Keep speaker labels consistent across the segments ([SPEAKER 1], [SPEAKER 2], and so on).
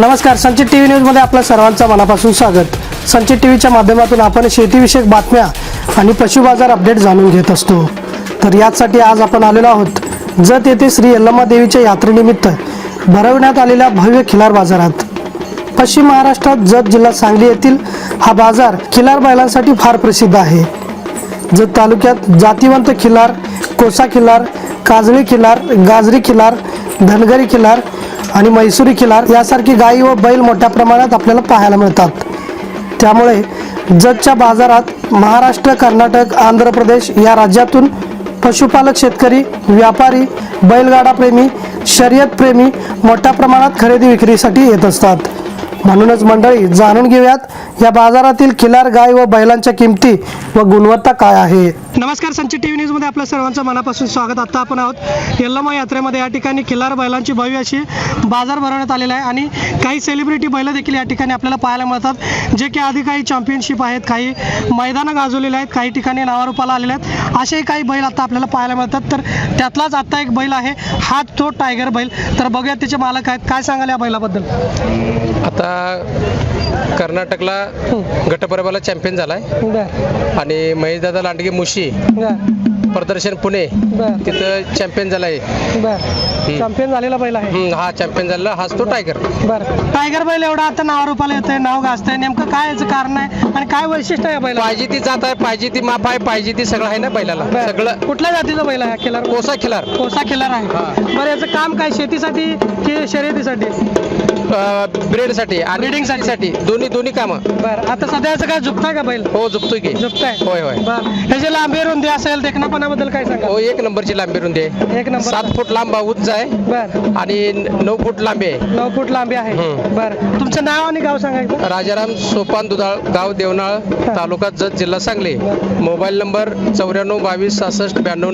[SPEAKER 1] नमस्कार, संचित टीव्ही न्यूजमध्ये आपल्या सर्वांचं मनापासून स्वागत। संचित टीव्हीच्या माध्यमातून आपण शेतीविषयक बातम्या आणि पशु बाजार अपडेट जाणून घेत असतो। तर यासाठी आज आपण आलेलो आहोत जत येथे श्री यल्लम्मा देवीच्या यात्रेनिमित्त भरवण्यात आलेल्या भव्य खिलार बाजारात। पश्चिम महाराष्ट्रात जत जिल्हा सांगली येथील हा बाजार खिलार बैलांसाठी फार प्रसिद्ध आहे। जत तालुक्यात जातीवंत खिलार, कोसा खिलार, काजळी खिलार, गाजरी खिलार, धनगरी खिलार आणि मैसुरी खिलार यासारखी गायी व बैल मोठ्या प्रमाणात आपल्याला पाहायला मिळतात। त्यामुळे जतच्या बाजारात महाराष्ट्र, कर्नाटक, आंध्र प्रदेश या राज्यातून पशुपालक, शेतकरी, व्यापारी, बैलगाडा प्रेमी, शर्यत प्रेमी मोठ्या प्रमाणात खरेदी विक्रीसाठी येत असतात। म्हणूनच मंडळी, जाणून घेऊयात या बाजारातील खिलार गाय व बैलांच्या किमती व गुणवत्ता काय आहे। नमस्कार, संचित टीव्ही न्यूज मध्ये आपल्या सर्वांचं मनापासून स्वागत। आता आपण आहोत यल्लम्मा यात्रेमध्ये। या ठिकाणी खिलार बैलांची भव्य अशी बाजार भरवण्यात आलेला आहे आणि काही सेलिब्रिटी बैल देखील या ठिकाणी आपल्याला पाहायला मिळतात, जे की आधी काही चॅम्पियनशिप आहेत, काही मैदानं गाजवलेले आहेत, काही ठिकाणी नावारूपाला आलेले आहेत। असे काही बैल आता आपल्याला पाहायला मिळतात। तर त्यातलाच आता एक बैल आहे, हा तो टायगर बैल। तर बघूया त्याचे मालक आहेत, काय सांगाल या बैलाबद्दल।
[SPEAKER 2] आता कर्नाटकला गटपरबाला चॅम्पियन झालाय आणि महेशदादा लांडगे मुशी प्रदर्शन पुणे तिथं चॅम्पियन झालाय।
[SPEAKER 1] चॅम्पियन झालेला बैल आहे
[SPEAKER 2] हा, चॅम्पियन झालेला हाच तो टायगर।
[SPEAKER 1] बरं, टायगर बैल एवढा आता नावारूपाला येतोय, नाव गाजतंय, नेमकं काय याचं कारण आहे आणि काय वैशिष्ट्य आहे बैला?
[SPEAKER 2] पाहिजे ती जात आहे, पाहिजे ती माप आहे, पाहिजे ती सगळं आहे ना बैलाला। सगळं
[SPEAKER 1] कुठल्या जातीचा बैल आहे? खिलार,
[SPEAKER 2] कोसा खिलार।
[SPEAKER 1] कोसा खिलार आहे। बरं, याचं काम काय, शेतीसाठी की शर्यतीसाठी?
[SPEAKER 2] ब्रेडसाठी आणि ब्रीडिंगसाठी दोन्ही कामं।
[SPEAKER 1] बरं, आता सध्याचं काय झुकताय का बैल?
[SPEAKER 2] हो, झुकतोय की।
[SPEAKER 1] झुकताय,
[SPEAKER 2] होय होय।
[SPEAKER 1] बरं, ह्याची लांबी रुंदी असेल, देखणापणाबद्दल काय सांगा?
[SPEAKER 2] हो, 1 नंबरची लांबी रुंदी आहे।
[SPEAKER 1] 1 नंबर।
[SPEAKER 2] 7 फूट लांब उंच आहे।
[SPEAKER 1] बरं,
[SPEAKER 2] आणि 9 फूट लांबी आहे।
[SPEAKER 1] 9 फूट लांबी आहे। बरं, तुमचं नाव आणि गाव सांगायचं?
[SPEAKER 2] राजाराम सोपान दुधाळ, गाव देवनाळ, तालुका जत, जिल्हा सांगली। Mobile number 94 22 66 92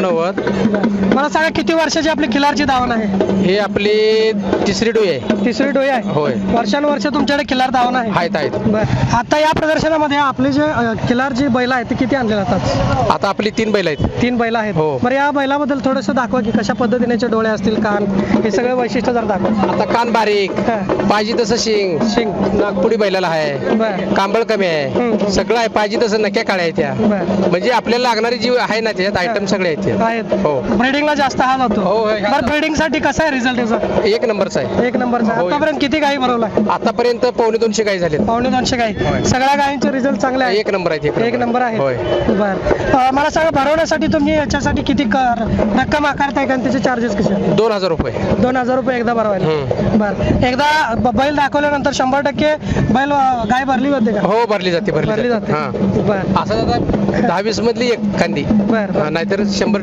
[SPEAKER 2] 90।
[SPEAKER 1] मला सांगा, किती वर्षाची आपली खिलारची दावण आहे?
[SPEAKER 2] हे आपली तिसरी डोई आहे।
[SPEAKER 1] तिसरी डोई आहे।
[SPEAKER 2] होय,
[SPEAKER 1] वर्षानुवर्ष तुमच्याकडे खिलार दावण आहे?
[SPEAKER 2] आहेत।
[SPEAKER 1] बरं, आता या प्रदर्शनामध्ये आपले जे खिलार जी बैल आहेत ते किती आणले जातात?
[SPEAKER 2] आता आपली 3 बैल आहेत।
[SPEAKER 1] 3 बैल आहेत।
[SPEAKER 2] हो।
[SPEAKER 1] बरं, या बैलाबद्दल थोडंसं दाखवा की कशा पद्धतीने डोळे असतील, कान, हे सगळं वैशिष्ट्य जर दाखवा।
[SPEAKER 2] आता कान बारीक, पाहिजे तसं शिंग नागपुडी बैलाला आहे,
[SPEAKER 1] बरं,
[SPEAKER 2] कांबळ कमी आहे, सगळं आहे, पाहिजे तसं नक्या काळ्या आहेत त्या।
[SPEAKER 1] बरं,
[SPEAKER 2] म्हणजे आपल्याला लागणारी जी आहे ना त्याच्यात आयटम सगळे आहेत।
[SPEAKER 1] आहेत।
[SPEAKER 2] हो,
[SPEAKER 1] ब्रीडिंगला जास्त हा जातो।
[SPEAKER 2] हो, होय, हा
[SPEAKER 1] बरं,
[SPEAKER 2] जातो।
[SPEAKER 1] ब्रीडिंग साठी कसा आहे रिझल्ट याचा?
[SPEAKER 2] 1 नंबरचा आहे।
[SPEAKER 1] 1 नंबरचा।
[SPEAKER 2] होय।
[SPEAKER 1] आतापर्यंत किती गायी भरवला?
[SPEAKER 2] आतापर्यंत 250 गाई झालेत।
[SPEAKER 1] 250 गायी।
[SPEAKER 2] होय।
[SPEAKER 1] सगळ्या गायींचे रिझल्ट चांगले आहे?
[SPEAKER 2] 1 नंबर आहे।
[SPEAKER 1] 1 नंबर आहे।
[SPEAKER 2] होय।
[SPEAKER 1] बरं, मला सांगा, भरवण्यासाठी तुम्ही याच्यासाठी किती रक्कम आकारताय का, त्याचे चार्जेस कसे?
[SPEAKER 2] 2000 रुपये।
[SPEAKER 1] 2000 रुपये एकदा भरवायला? बरं, एकदा बैल दाखवल्यानंतर 100% बैल गाय भरली जाते का?
[SPEAKER 2] हो, भरली जाते,
[SPEAKER 1] भरली जाते।
[SPEAKER 2] हा।
[SPEAKER 1] बरं,
[SPEAKER 2] असं आता 10-20 मधली एक खांदी,
[SPEAKER 1] बरं,
[SPEAKER 2] नाहीतर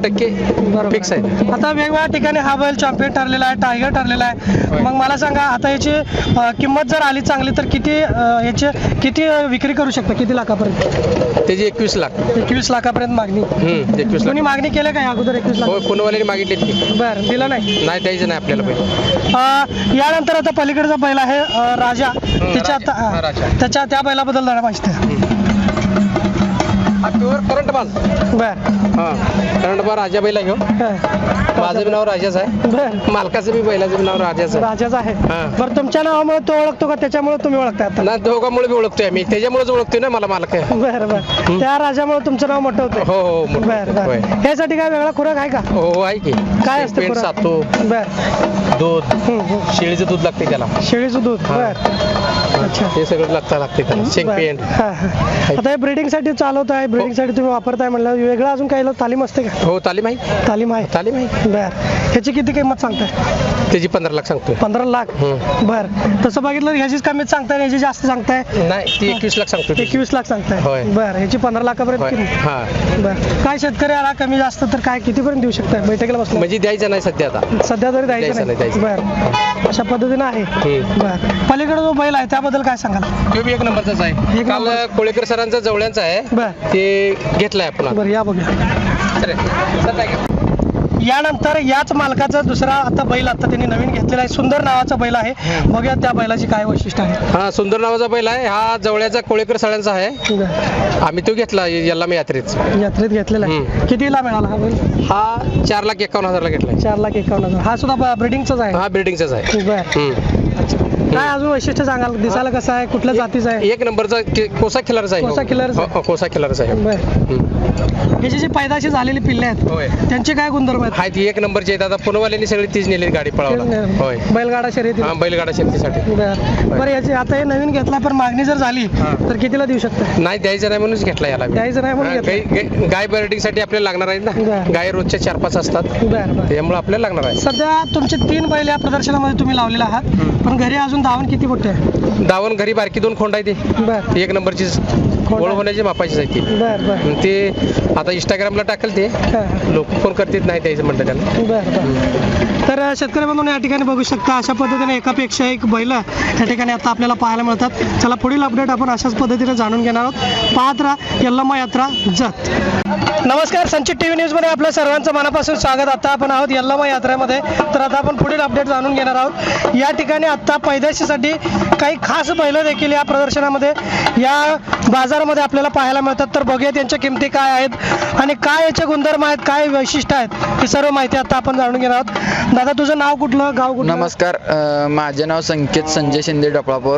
[SPEAKER 2] 100% फिक्स आहे।
[SPEAKER 1] आता वेगवेगळ्या ठिकाणी हा बैल चॅम्पियन ठरलेला आहे, टायगर ठरलेला आहे। मग मला सांगा, आता याची किंमत जर आली चांगली तर याची किती विक्री करू शकता? किती लाखापर्यंत?
[SPEAKER 2] त्याची 21 लाख।
[SPEAKER 1] 21 लाखापर्यंत मागणी?
[SPEAKER 2] 21 लाख।
[SPEAKER 1] कोणी मागणी केलं का अगोदर 21 लाख?
[SPEAKER 2] हो, पुणेवाल्याने मागितले की।
[SPEAKER 1] बरं, दिलं नाही?
[SPEAKER 2] नाही, द्यायचं नाही आपल्याला पैसे।
[SPEAKER 1] यानंतर आता पलीकडचा बैल आहे राजा, त्याच्या त्याच्या त्या बैलाबद्दल जरा माहिती आहे?
[SPEAKER 2] करंट बाज।
[SPEAKER 1] बरं,
[SPEAKER 2] हा, करंट बाज राजा बैला घेऊ। माझं बी नाव राजाच आहे,
[SPEAKER 1] बरं,
[SPEAKER 2] मालकाचं बी बैलाचं बी नाव राजाच आहे।
[SPEAKER 1] राजाच आहे।
[SPEAKER 2] हा।
[SPEAKER 1] बरं, तुमच्या नावामुळे तो ओळखतो का त्याच्यामुळे तुम्ही ओळखताय आता?
[SPEAKER 2] ना, दोघांमुळे बी ओळखतोय आम्ही, त्याच्यामुळेच ओळखतोय ना मला मालक आहे।
[SPEAKER 1] बरं बरं, त्या राजामुळे तुमचं नाव मोठं होतं?
[SPEAKER 2] हो हो, मोठं.
[SPEAKER 1] बरं
[SPEAKER 2] होय.
[SPEAKER 1] बरं, ह्यासाठी काय वेगळा खुराक आहे का?
[SPEAKER 2] हो, आहे की।
[SPEAKER 1] काय असतं
[SPEAKER 2] पेंट,
[SPEAKER 1] खुराक?
[SPEAKER 2] सातू,
[SPEAKER 1] बरं,
[SPEAKER 2] दूध, शेळीचं दूध लागते त्याला।
[SPEAKER 1] शेळीचं दूध?
[SPEAKER 2] हा.
[SPEAKER 1] बरं, अच्छा,
[SPEAKER 2] हे सगळं लागते त्याला। शेंग पेंट।
[SPEAKER 1] हा, हा. आता हे ब्रीडिंग साठी चालवत आहे, ब्रीडिंग साठी तुम्ही वापरताय म्हणलं, वेगळं अजून काही तालीम असते का?
[SPEAKER 2] हो, तालीम आहे।
[SPEAKER 1] तालीम आहे?
[SPEAKER 2] तालीम आहे।
[SPEAKER 1] बरं, ह्याची किती किंमत सांगताय?
[SPEAKER 2] त्याची 15 लाख सांगतोय।
[SPEAKER 1] 15 लाख? बरं, तसं बघितलं ह्याचीच कमीच सांगताय, ह्याची जास्त सांगताय?
[SPEAKER 2] नाही, ती 21 लाख सांगतोय।
[SPEAKER 1] 21 लाख सांगताय?
[SPEAKER 2] होय।
[SPEAKER 1] बरं, ह्याची 15 लाखापर्यंत किंमत?
[SPEAKER 2] हा।
[SPEAKER 1] बरं, काय शेतकरी आला कमी जास्त तर काय कितीपर्यंत देऊ शकताय बैठकीला बसलो?
[SPEAKER 2] म्हणजे द्यायचं नाही सध्या आता,
[SPEAKER 1] सध्या तरी द्यायचं नाही?
[SPEAKER 2] द्यायचं.
[SPEAKER 1] बरं, अशा पद्धतीनं आहे। बरं, पलीकडे जो बैल आहे त्याबद्दल काय सांगाल?
[SPEAKER 2] तो बी 1 नंबरचाच आहे।
[SPEAKER 1] एक
[SPEAKER 2] काल
[SPEAKER 1] नंबर.
[SPEAKER 2] कोळेकर सरांचा जवळ्यांचा आहे,
[SPEAKER 1] बरं,
[SPEAKER 2] ते घेतलाय आपण।
[SPEAKER 1] बरं, या बघूया। यानंतर याच मालकाचा दुसरा आता बैल आता त्यांनी नवीन घेतलेला आहे, सुंदर नावाचा बैल आहे। बघूया त्या बैलाची काय वैशिष्ट्य आहे।
[SPEAKER 2] हा, सुंदर नावाचा बैल आहे, हा जवळचा कोळेकर सरांचा आहे। आम्ही तो घेतला यल्लम्मा
[SPEAKER 1] यात्रेत घेतलेला आहे। कितीला मिळाला हा बैल?
[SPEAKER 2] हा 4,51,000 घेतलाय।
[SPEAKER 1] 4,51,000। हा सुद्धा ब्रीडिंगचाच आहे?
[SPEAKER 2] हा, ब्रीडिंगचाच आहे।
[SPEAKER 1] बरं, काय अजून वैशिष्ट्य सांगाल? दिसायला कसं आहे, कुठल्या जातीचं आहे?
[SPEAKER 2] एक नंबरचा कोसा खिलारचा आहे.
[SPEAKER 1] कोसा खिलारचा?
[SPEAKER 2] हो, कोसा खिलारचा आहे.
[SPEAKER 1] बरं. ह्याची जी पैदाशी झालेली पिल्ले आहेत
[SPEAKER 2] होय.
[SPEAKER 1] त्यांचे काय गुणधर्म आहेत?
[SPEAKER 2] हाय ती एक नंबरची आहेत. आता पुणेवाल्यांनी सगळी तीच नेली गाडी पळावला. होय.
[SPEAKER 1] बैलगाडा शर्यती.
[SPEAKER 2] हा, बैलगाडा शेतीसाठी.
[SPEAKER 1] बरं याची आता हे नवीन घेतला पण मागणी जर झाली तर कितीला देऊ शकता?
[SPEAKER 2] नाही द्यायचं नाही म्हणूनच घेतला याला.
[SPEAKER 1] द्यायचं नाही म्हणून घेतला.
[SPEAKER 2] गाय बर्डिंग साठी आपल्याला लागणार आहेत ना.
[SPEAKER 1] बरं.
[SPEAKER 2] गाय रोजच्या 4-5 असतात,
[SPEAKER 1] बरं बरं.
[SPEAKER 2] त्यामुळे आपल्याला लागणार आहे.
[SPEAKER 1] सध्या तुमचे 3 बैल या प्रदर्शनामध्ये तुम्ही लावलेले आहात, पण घरी अजून धावण किती मोठे आहे?
[SPEAKER 2] दावण घरी बारकी 2 खोंड आहे.
[SPEAKER 1] बरं
[SPEAKER 2] ती एक नंबरची ओळख होण्याची मापाचीच आहे ती.
[SPEAKER 1] बरं बरं.
[SPEAKER 2] ते आता इंस्टाग्रामला टाकेल ते लोक फोन करतात, नाही द्यायचं म्हणतात त्यांना.
[SPEAKER 1] बरं बरं. तर शेतकरी बंधूंनो या ठिकाणी बघू शकता अशा पद्धतीने एकापेक्षा एक बैल या ठिकाणी आता आपल्याला पाहायला मिळतात. चला पुढील अपडेट आपण अशाच पद्धतीने जाणून घेणार आहोत. पाहत राहा यल्लम्मा यात्रा जत. नमस्कार, संचित टीव्ही न्यूज मध्ये आपल्या सर्वांचं मनापासून स्वागत. आता आपण आहोत यल्लम्मा यात्रेमध्ये. तर आता आपण पुढील अपडेट जाणून घेणार आहोत. या ठिकाणी आता पैदाशीसाठी काही खास बैल देखील या प्रदर्शनामध्ये या बाजारामध्ये आपल्याला पाहायला मिळतात. तर बघूया त्यांच्या किमती काय आहेत आणि काय याचे गुणधर्म आहेत, काय वैशिष्ट्य आहेत, ही सर्व माहिती आता आपण जाणून घेणार आहोत. दादा तुझं नाव कुठलं, गाव कुठलं?
[SPEAKER 3] नमस्कार, माझे नाव संकेत संजय शिंदे डपळापूर,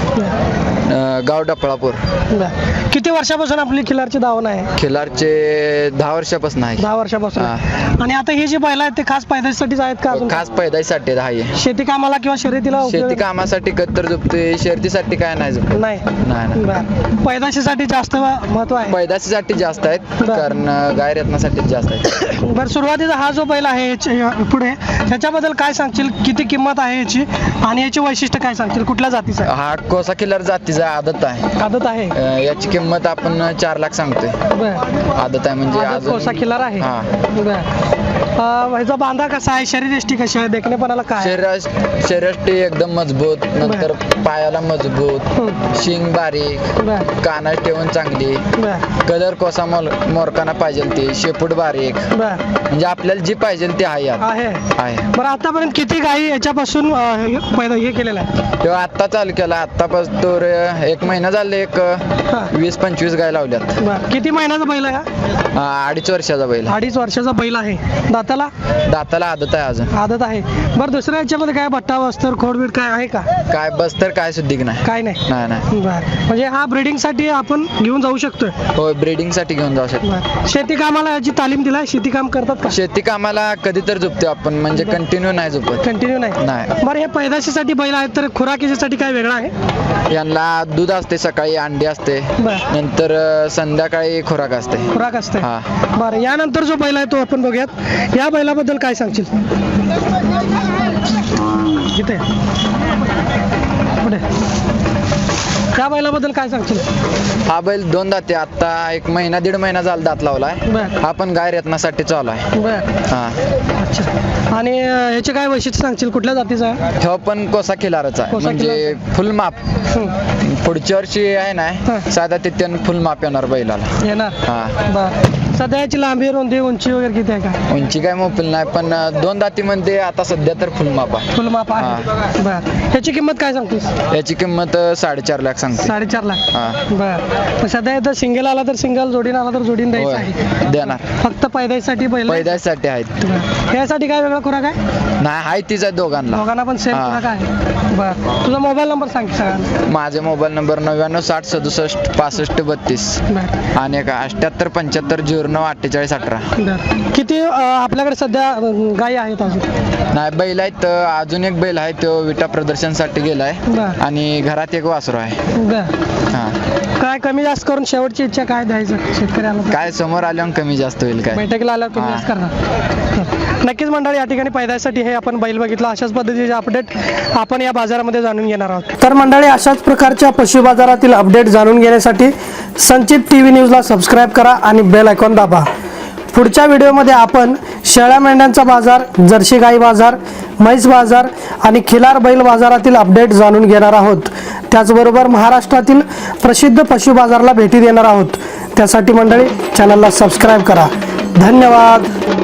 [SPEAKER 3] गाव डपळापूर.
[SPEAKER 1] बरं. किती वर्षापासून आपली खिलारची धावण आहे?
[SPEAKER 3] खिलारचे 10 वर्षापासून आहे.
[SPEAKER 1] 10 वर्षापासून. आणि आता हे जे बैल आहेत ते खास पैदाशीसाठीच आहेत का अजून?
[SPEAKER 3] खास पैदाईसाठी आहे.
[SPEAKER 1] शेती कामाला किंवा शर्यतीला उपयोग-
[SPEAKER 3] शेती कामासाठी कत्तर झोपते, शर्यतीसाठी काय नाही झोपत.
[SPEAKER 1] नाही.
[SPEAKER 3] नाही.
[SPEAKER 1] बरं. पैदाशीसाठी जास्त महत्व आहे.
[SPEAKER 3] पैदाशीसाठी जास्त आहेत,
[SPEAKER 1] बरं.
[SPEAKER 3] कारण गाय रत्नासाठी जास्त आहेत.
[SPEAKER 1] बरं, सुरुवातीचा हा जो बैल आहे पुढे त्याच्याबद्दल काय सांगशील? किती किंमत आहे याची आणि याची वैशिष्ट्य काय सांगशील? कुठल्या जातीचं आहे?
[SPEAKER 3] हा कोसा खिलार जातीचा आदत आहे.
[SPEAKER 1] आदत आहे.
[SPEAKER 3] याची किंमत आपण 4 लाख सांगतोय.
[SPEAKER 1] बरं.
[SPEAKER 3] आदत आहे म्हणजे
[SPEAKER 1] आदत
[SPEAKER 3] अजून-
[SPEAKER 1] कोसा खिलार आहे.
[SPEAKER 3] हा.
[SPEAKER 1] बरं. ह्याचा बांधा कसा आहे, शरीरयष्टी कशी आहे, देखणेपणाला काय आहे?
[SPEAKER 3] शरीरयष्टी एकदम मजबूत, नंतर पायाला मजबूत, शिंग बारीक,
[SPEAKER 1] बरं
[SPEAKER 3] कानात ठेवून चांगली,
[SPEAKER 1] बरं
[SPEAKER 3] कलर कोसा मोरकाना पाहिजे ते, शेपूट बारीक,
[SPEAKER 1] बरं
[SPEAKER 3] म्हणजे आपल्याला जी पाहिजे ते आहे यात.
[SPEAKER 1] आहे.
[SPEAKER 3] आहे.
[SPEAKER 1] बरं आतापर्यंत किती गायी याच्यापासून पैदा हे केलेलं आहे?
[SPEAKER 3] तेव्हा आत्ता चालू केला, आत्तापासून तर 1 महिना झाले, एक 20-25 गाय लावल्यात.
[SPEAKER 1] बरं. किती महिन्याचा बैल आहे हा?
[SPEAKER 3] 2.5 वर्षाचा बैल.
[SPEAKER 1] 2.5 वर्षाचा बैल आहे. दाताला?
[SPEAKER 3] दाताला आदत आहे अजून.
[SPEAKER 1] आदत आहे. बरं दुसऱ्या याच्यामध्ये काय बट्टा वस्तर खोडबीड काय आहे का?
[SPEAKER 3] काय बस तर काय सुद्धिक नाही.
[SPEAKER 1] काय नाही.
[SPEAKER 3] नाही.
[SPEAKER 1] बरं. म्हणजे हा ब्रीडिंग साठी आपण घेऊन जाऊ शकतोय?
[SPEAKER 3] हो, ब्रीडिंग साठी घेऊन जाऊ शकतो.
[SPEAKER 1] बरं. शेती कामाला याची तालीम दिलाय? शेती काम करतात का?
[SPEAKER 3] शेती कामाला कधी तर झोपतो आपण, म्हणजे कंटिन्यू नाही झोपत.
[SPEAKER 1] कंटिन्यू नाही.
[SPEAKER 3] नाही.
[SPEAKER 1] बरं हे पैदाशीसाठी बैल आहेत तर खुराकीसाठी काय वेगळं आहे?
[SPEAKER 3] यांना दूध असते, सकाळी अंडी असते,
[SPEAKER 1] बरं.
[SPEAKER 3] नंतर संध्याकाळी खुराक असते.
[SPEAKER 1] खुराक असते.
[SPEAKER 3] हा.
[SPEAKER 1] बरं यानंतर जो बैल आहे तो आपण बघूयात. या बैलाबद्दल काय सांगशील? इथे पुढे त्या बैलाबद्दल काय सांगशील?
[SPEAKER 3] हा बैल 2 दाते, आता 1 महिना 1.5 महिना झाला दात लावलाय.
[SPEAKER 1] बरं.
[SPEAKER 3] हा पण गाय रत्नासाठी चालू आहे.
[SPEAKER 1] बरं.
[SPEAKER 3] हा.
[SPEAKER 1] अच्छा. आणि याचे काय वैशिष्ट्य सांगशील? कुठल्या जातीचा आहे?
[SPEAKER 3] तो पण कोसा खिलारचा आहे,
[SPEAKER 1] कोसा
[SPEAKER 3] म्हणजे फुल माप. पुढच्या वर्षी आहे
[SPEAKER 1] हा.
[SPEAKER 3] ना साधा तिथ्यान फुल माप येणार बैलाला.
[SPEAKER 1] येणार.
[SPEAKER 3] हा.
[SPEAKER 1] बरं. सध्या याची लांबी रुंदी उंची वगैरे किती आहे का?
[SPEAKER 3] उंची काय मोफिल नाही, पण 2 दातीमध्ये आता सध्या तर फुल माप आहे.
[SPEAKER 1] फुल माप आहे. बरं. याची किंमत काय सांगतोस?
[SPEAKER 3] याची किंमत 4.5 लाख सांगते.
[SPEAKER 1] 4.5 लाख.
[SPEAKER 3] हा.
[SPEAKER 1] बरं. सध्या इथं सिंगल आला तर सिंगल, जोडीन आला तर जोडीन द्यायचं आहे.
[SPEAKER 3] होय, देणार.
[SPEAKER 1] फक्त पैदाईसाठी बैल आहे?
[SPEAKER 3] पैदासाठी आहेत.
[SPEAKER 1] बरं. यासाठी काय वेगळा खुराक आहे?
[SPEAKER 3] नाही, आहे तीच आहे दोघांना.
[SPEAKER 1] दोघांना पण सेम
[SPEAKER 3] हा.
[SPEAKER 1] खुराक आहे. बरं. तुझा मोबाईल नंबर सांग की सगळ्यांना.
[SPEAKER 3] माझे मोबाईल नंबर 9960676532
[SPEAKER 1] बरं.
[SPEAKER 3] आणि 7875094818.
[SPEAKER 1] बरं. किती आपल्याकडे सध्या गायी आहेत अजून?
[SPEAKER 3] नाही, बैल आहेत, अजून एक बैल आहे, तो विटा प्रदर्शनसाठी गेलाय,
[SPEAKER 1] बरं.
[SPEAKER 3] आणि घरात एक वासरू आहे.
[SPEAKER 1] बरं.
[SPEAKER 3] हा.
[SPEAKER 1] काय कमी जास्त करून शेवटची इच्छा काय द्यायचं शेतकऱ्याला?
[SPEAKER 3] काय समोर आल्यावर कमी जास्त होईल काय.
[SPEAKER 1] बैठकीला आल्यावर कमी
[SPEAKER 3] हा.
[SPEAKER 1] जास्त करणार. नक्कीच मंडळी या ठिकाणी पैदासाठी हे आपण बैल बघितलं. अशाच पद्धतीचे अपडेट आपण या बाजारामध्ये जाणून घेणार आहोत. तर मंडळी अशाच प्रकारच्या पशु बाजारातील अपडेट जाणून घेण्यासाठी संचित टीव्ही न्यूजला सबस्क्राईब करा आणि बेल आयकॉन दाबा. पुढच्या व्हिडिओमध्ये आपण शेळ्या मेंढ्यांचा बाजार, जर्सी गाई बाजार, म्हैस बाजार आणि खिलार बैल बाजारातील अपडेट जाणून घेणार आहोत. त्याचबरोबर महाराष्ट्रातील प्रसिद्ध पशु बाजाराला भेटी देणार आहोत. त्यासाठी मंडळी चॅनलला सबस्क्राईब करा. धन्यवाद.